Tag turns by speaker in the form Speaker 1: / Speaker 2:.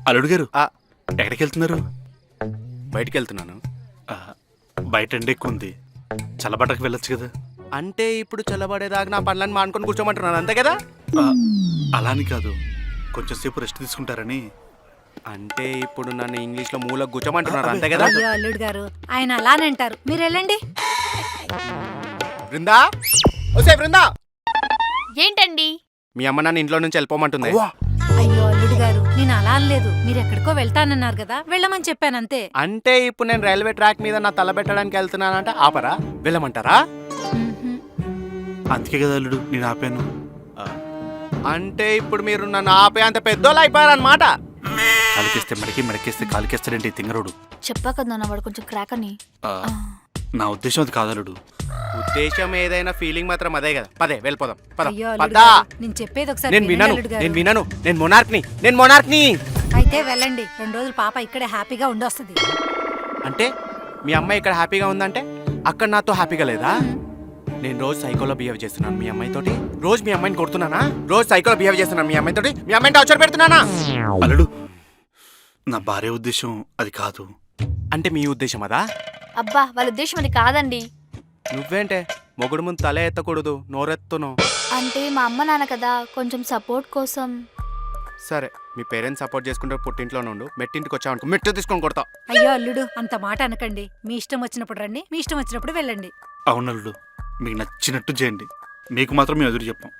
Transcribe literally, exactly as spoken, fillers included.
Speaker 1: అల్లుడు గారు
Speaker 2: ఆ,
Speaker 1: ఎక్కడికి వెళ్తున్నారు?
Speaker 2: బయటికి వెళ్తున్నాను.
Speaker 1: ఆ, బయట ఎండ ఎక్కువ ఉంది, చల్లబట్టకు వెళ్ళొచ్చు కదా.
Speaker 2: అంటే ఇప్పుడు చల్లబడేదాకా నా పనులను మానుకొని కూర్చోమంటున్నాను అంతే కదా.
Speaker 1: ఆ, అలా అని కాదు, కొంచెం సేపు రెస్ట్ తీసుకుంటారని.
Speaker 2: అంటే ఇప్పుడు నన్ను ఇంగ్లీష్లో మూలకు కూర్చోమంటున్నారు అంతే కదా.
Speaker 3: అయ్యో అల్లుడు గారు, ఆయన అలానే అంటారు, మీరు వెళ్ళండి.
Speaker 2: బృందా, ఓసే బృందా,
Speaker 4: ఏంటండి?
Speaker 2: మీ అమ్మ నన్ను ఇంట్లో నుంచి వెళ్ళిపోమంటుంది.
Speaker 3: అయ్యో అల్లుడు గారు, నేను అలా అనలేదు, మీరు ఎక్కడికో వెళ్తానన్నారు కదా, వెళ్ళమని చెప్పాను అంతే.
Speaker 2: అంటే ఇప్పుడు నేను రైల్వే ట్రాక్ మీద నా తల పెట్టడానికి వెళ్తున్నానంటే ఆపరా, వెళ్ళమంటారా?
Speaker 3: మ్మ్హ్మ్.
Speaker 1: అందుకే కదా అల్లుడు నేను ఆపాను.
Speaker 2: ఆ, అంటే ఇప్పుడు మీరు నన్ను ఆపే అంత పెద్దోళ్ళు అయిపోయారనమాట.
Speaker 1: కాలికేస్తే మడికి, మడికేస్తే కాలికేస్తాడంటే ఈ తింగరోడు.
Speaker 4: చెప్పా కదా నాన్న, వాడు కొంచెం క్రాక్ అని.
Speaker 1: ఆ, నా ఉద్దేశం అది కాదు అల్లుడు.
Speaker 2: ఉద్దేశం ఏదైనా ఫీలింగ్ మాత్రం అదే కదా. పదే వెళ్ళిపోదాం, పద
Speaker 3: అయ్యో అల్లుడు
Speaker 2: పదా.
Speaker 3: గారు, నేను చెప్పేది ఒకసారి
Speaker 2: నేను
Speaker 3: వినండి
Speaker 2: వినను,
Speaker 3: అల్లుడు గారు.
Speaker 2: నేను వినను, నేను మొనార్క్ని, నేను మొనార్క్ని.
Speaker 3: అయితే వెళ్ళండి, రెండు రోజులు పాప ఇక్కడే హ్యాపీగా ఉండొస్తుంది.
Speaker 2: అంటే మీ అమ్మాయి ఇక్కడ హ్యాపీగా ఉందంటే అక్కడ నాతో హ్యాపీగా లేదా? నేను రోజు సైకోలో బిహేవ్ చేస్తున్నాను మీ అమ్మాయితోటి, రోజు మీ అమ్మాయిని కొడుతున్నానా, రోజు సైకోలో బిహేవ్ చేస్తున్నాను మీ అమ్మాయితోటి, మీ అమ్మాయిని టార్చర్ పెడుతున్నానా?
Speaker 1: అల్లుడు, నా భార్య ఉద్దేశం అది కాదు.
Speaker 2: అంటే మీ ఉద్దేశం అదా?
Speaker 4: అబ్బా, వాళ్ళ ఉద్దేశం అది కాదండి.
Speaker 2: నువ్వేంటే మొగుడు ముందు తల ఎత్తకూడదు, నోరెత్తును.
Speaker 4: అంటే మా అమ్మ నాన్న కదా, కొంచెం సపోర్ట్ కోసం.
Speaker 2: సరే, మీ పేరెంట్స్ సపోర్ట్ చేసుకుంటే పుట్టింట్లోనే ఉండు, మెట్టింటికి వచ్చావనుకో మెట్టు తీసుకొని కొడతా.
Speaker 3: అయ్యో అల్లుడు, అంత మాట అనకండి, మీ ఇష్టం వచ్చినప్పుడు రండి, మీ ఇష్టం వచ్చినప్పుడు వెళ్ళండి.
Speaker 1: అవును అల్లుడు, మీకు నచ్చినట్టు చేయండి, మీకు మాత్రం మేము ఎదురు చెప్పాం.